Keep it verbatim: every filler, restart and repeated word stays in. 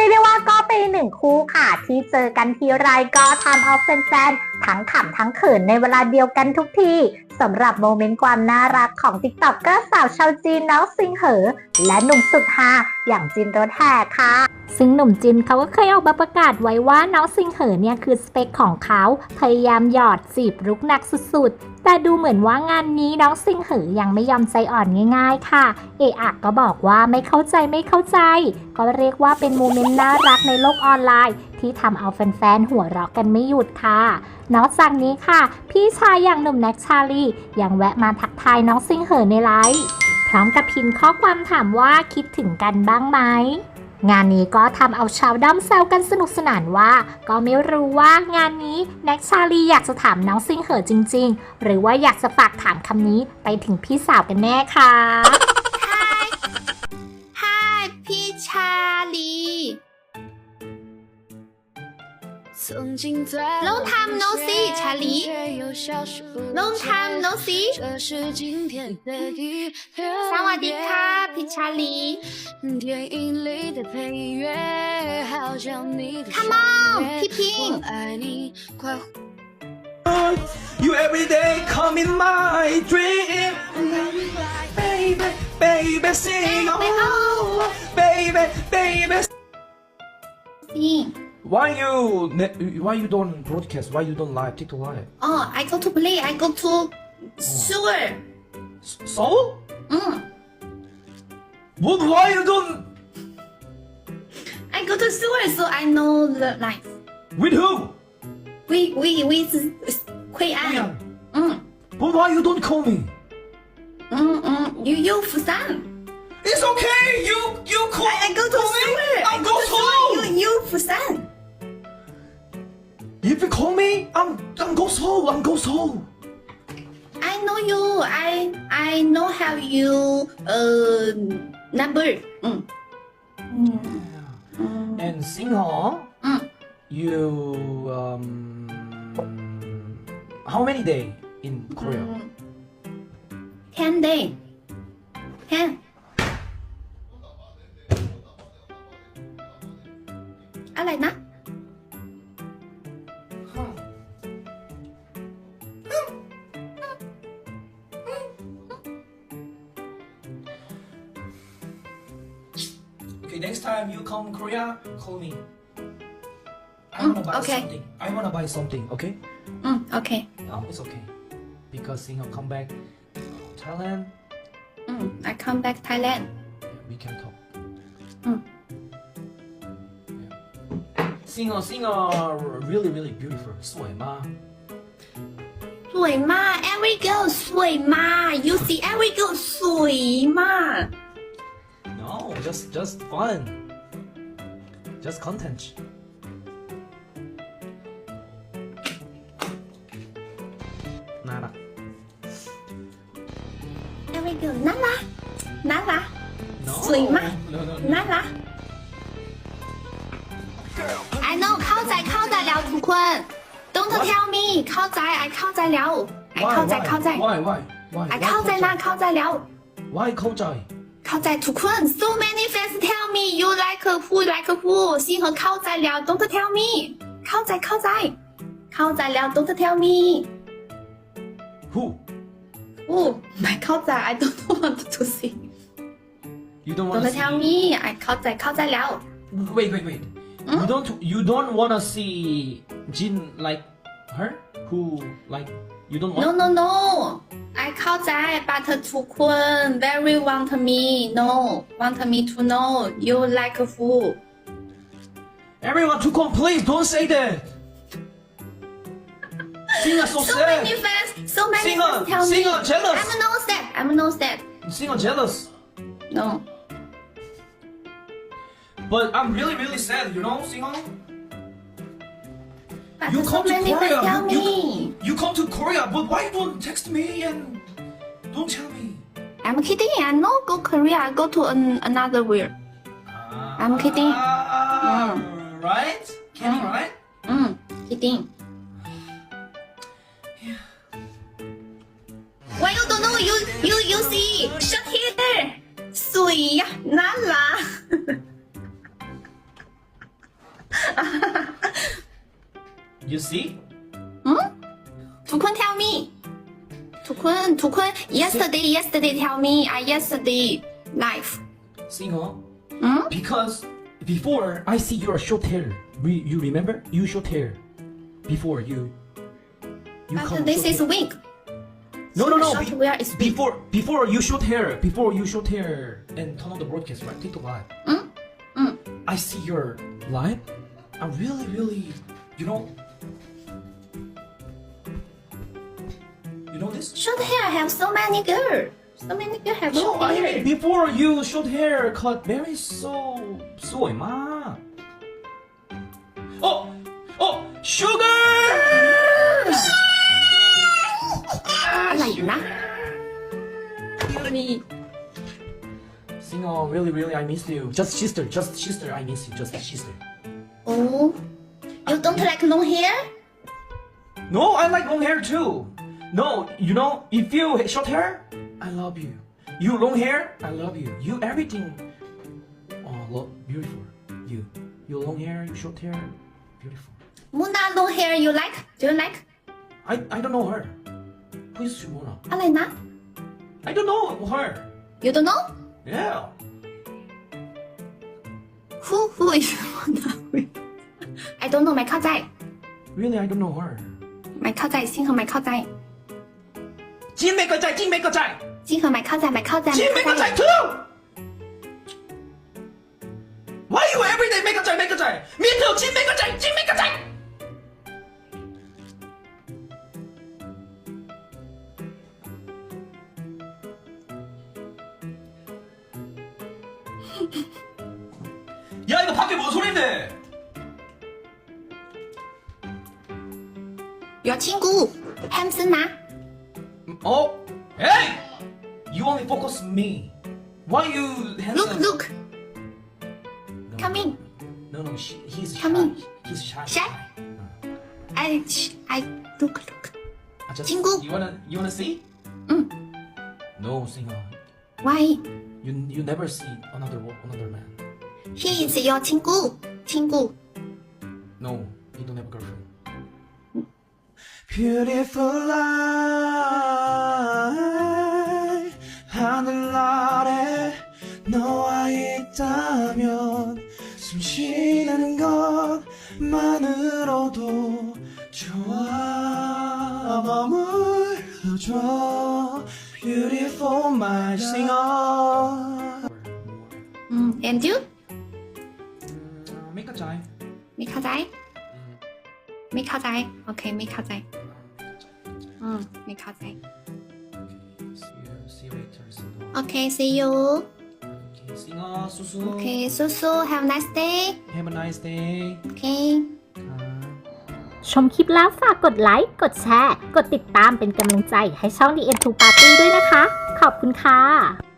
รียกได้ว่าก็เป็นหนึ่งคู่ค่ะที่เจอกันทีไรก็ทำเอาแฟนๆทั้งขำทั้งเขินในเวลาเดียวกันทุกทีสำหรับโมเมนต์ความน่ารักของติ๊กต็อกเกอร์สาวชาวจีนน้องซิงเหอและหนุ่มสุดฮาอย่างจินรถแห่ค่ะซึ่งหนุ่มจินเขาก็เคยออกมาประกาศไว้ว่าน้องซิงเหอเนี่ยคือสเปคของเขาพยายามหยอดจีบรุกหนักสุดๆแต่ดูเหมือนว่างานนี้น้องซิงเหอยังไม่ยอมใจอ่อนง่ายๆค่ะเอะอะก็บอกว่าไม่เข้าใจไม่เข้าใจก็เรียกว่าเป็นโมเมนต์น่ารักในโลกออนไลน์ที่ทำเอาแฟนๆหัวเราะกันไม่หยุดค่ะนอกจากนี้ค่ะพี่ชายอย่างหนุ่มแน็กชาลียังแวะมาทักทายน้องซิงเหอในไลฟ์พร้อมกับพิมพ์ข้อความถามว่าคิดถึงกันบ้างไหมงานนี้ก็ทำเอาชาวด้อมแซวกันสนุกสนานว่าก็ไม่รู้ว่างานนี้แน็กชาลีอยากจะถามน้องซิงเหอจริงๆหรือว่าอยากจะฝากถามคำนี้ไปถึงพี่สาวกันแน่ค่ะ Hi Hi พี่ชาลี Long time no see ชาลี Long time no see สวัสดีค่ะพี่ชาลี Come on พี่พิง You every day come in my dream Baby, baby, sing oh Baby, baby Why you why you don't broadcast? Why you don't live TikTok live? Oh I go to play I go to sewer Seoul? Mm. But why you don't? I go to sewer so I know the life With who? We we with 奎安 Mm. But why you don't call me? Mm mm You you Busan It's okay. You you call. I, I go to call me. sewer I I'll go go to sewer Seoul. You you Busan If you call me, I'm I'm go Seoul. I'm go Seoul. I know you. I I know how you uh number. Mm. Mm. And Singho, Mm. you um how many day in Korea? Mm. Ten day. Ten. อะไรนะ Okay, next time you come Korea, call me. I wanna buy okay. something. I wanna buy something. Okay? อืมโอเค No, it's okay. Because Singho come back Thailand, อืม I come back Thailand we can talk. อืม Singho, Singho, really, really beautiful. สวยมากสวยมาก every girl สวยมาก you see every girl สวยมาก No, just just fun. Just content. 나라. every girl น่ารักน่ารัก No. สวยมาก No, no, no. น่ารัก I know เข้าใจเข้าใจแล้วทุกคน Don't tell me เข้าใจ I เข้าใจแล้ว I Why, เข้าใจ why? เข้าใจ Why, why, why? I why เข้าใจนะเข้าใจแล้ว Why เข้าใจ? เข้าใจทุกคน So many fans tell me you like who like who 星河เข้าใจแล้ว Don't tell me เข้าใจเข้าใจ เข้าใจแล้ว Don't tell me Who? อู้ไม่เข้าใจ I don't want to see You don't wanna Don't see? tell me I เข้าใจเข้าใจแล้ว Wait, wait, wait. You don't you don't wanna see Jin like her? Who like you don't want? No no no I เข้าใจ but ทุกคน very want me no want me to know you like who Everyone to come, please don't say that. Singer so So sad. many fans so many Singer, fans tell me Singer jealous. I'm no sad I'm no sad Singer jealous. no But I'm really really sad, you know, Singer. but You so come to many Korea. fans tell You, me you come to Korea, but why you don't text me and don't tell me? I'm kidding I no go Korea I go to an, another world I'm kidding. Ah, right? Kidding, Mm. right? อืม kidding Why you don't know you you you see shut here สวยน่ารัก you see ทุกคน tell me ทุกคนทุกคน yesterday yesterday tell me I yesterday life Singo อืม because before I see your short hair Re- you remember you short hair before you you but come this short is hair. wig no no no short be- wear is big before before you short hair before you short hair and turn on the broadcast right TikTok live อืมอืม I see your live I really really you know you know this short hair have so many girl so many girl have no short I hair mean before you short hair cut very so สวยมาก oh oh sugar อะไรนะนี่ Sing on, really, really, I miss you. Just sister, just sister, I miss you, just sister. oh you don't like long hair No, I like long hair too. No, you know, if you short hair, I love you. You long hair, I love you. You everything, oh, lo- beautiful. You, you long hair, you short hair, beautiful. Muna long hair you like do you like I, I don't know her. Who is Shimona? อะไรนะ I don't know her. you don't know Yeah. who who is Muna I don't know ไม่เข้าใจ Really, I don't know her. ไม่เข้าใจซิงเหรอไม่เข้าใจ金没个在，金没个在， ซิงเหรอไม่เข้าใจไม่เข้าใจ金没个在 too. Why you every day make a 在 make a 在？Me too，金没个在，金没个在。야 이거 밖에 뭔 소린데? your 친구 handsome นะ 어? Hey! You only focus on me. Why you handsome? look look No. come in No no, she, he's shy. Come in. He's shy. Shy? I I look look I just, 친구. You wanna you wanna see? 응. No, singer. why You you never see another wo- another man. he is your 친구 친구 No, he don't have a girlfriend. Beautiful life 하늘 아래 너와 있다면 숨 쉬는 것만으로도 좋아 머물러줘 Beautiful my singer 음 and you Make a time ไม่เข้าใจไม่เข้าใจโอเคไม่เข้าใจอืมไม่เข้าใจ See you, see you later singer โอเค see you Okay, singer 수수 โอเคสู้ๆ have a nice day Have a nice day โอเคชมคลิปแล้วฝากกดไลค์ กดแชร์ กดติดตามเป็นกำลังใจให้ช่อง The เอ็น ทู Party ด้วยนะคะ ขอบคุณค่ะ